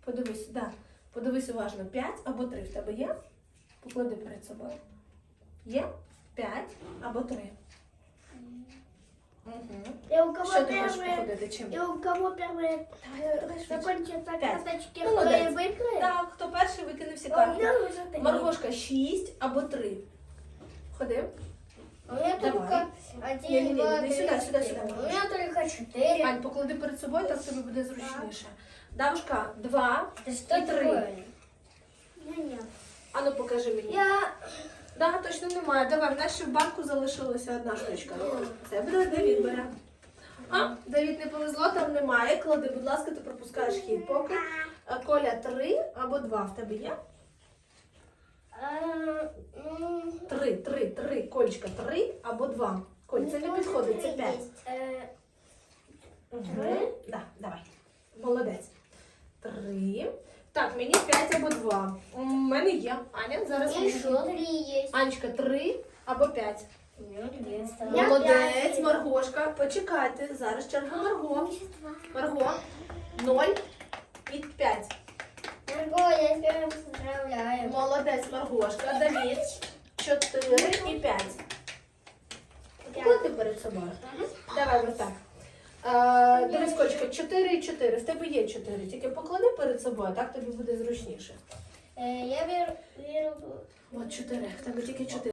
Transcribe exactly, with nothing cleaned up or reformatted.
Подивись, да. Подивись уважно. п'ять або три в тебе є? Поклади перед собою. Є? п'ять або три. Угу. И у кого Що ти хочеш первые, походити? Чим? и у кого первые закончатся Пять. карточки, Молодец. кто и выиграет? Так, хто перший викине всі А у карти? меня уже три. Маргошка, шість або три. Ходи. У меня Давай. только Не-не-не, один, два, иди три, сюда, сюда, четыре. сюда, У меня только четыре. Ань, поклади перед собою, так тобі буде зручніше. Давушка, два Это что і три. такое? Нет. Ану, покажи мені. Я... Да, точно немає. Давай, в нас ще в банку залишилася одна штучка. Це буде Давід бере. А, Давід не повезло, там немає. Клади, будь ласка, ти пропускаєш хід. Поки А, Коля три або два в тебе є? э, м, Три, три, три. Колечка, три або два. Коль, це не тоже підходить, це три п'ять. есть. Э, Угу. Да, давай. Молодець. Три. Так, мені п'ять або два. У мене є. Аня, зараз мені. Еще три есть. Анечка, три або п'ять. У меня две. Молодець, Маргошка. Почекайте, зараз черга Марго. Марго, ноль і п'ять. Марго, я тебя поздравляю. Молодець, Маргошка. Давід, чотири і п'ять. Поклади перед собою. Давай ось так. Е, Дивись, Кольчика, чотири і чотири. В тебе є чотири. Тільки поклади перед собою, так тобі буде зручніше. Э, я беру... беру... От чотири. В тебе тільки чотири.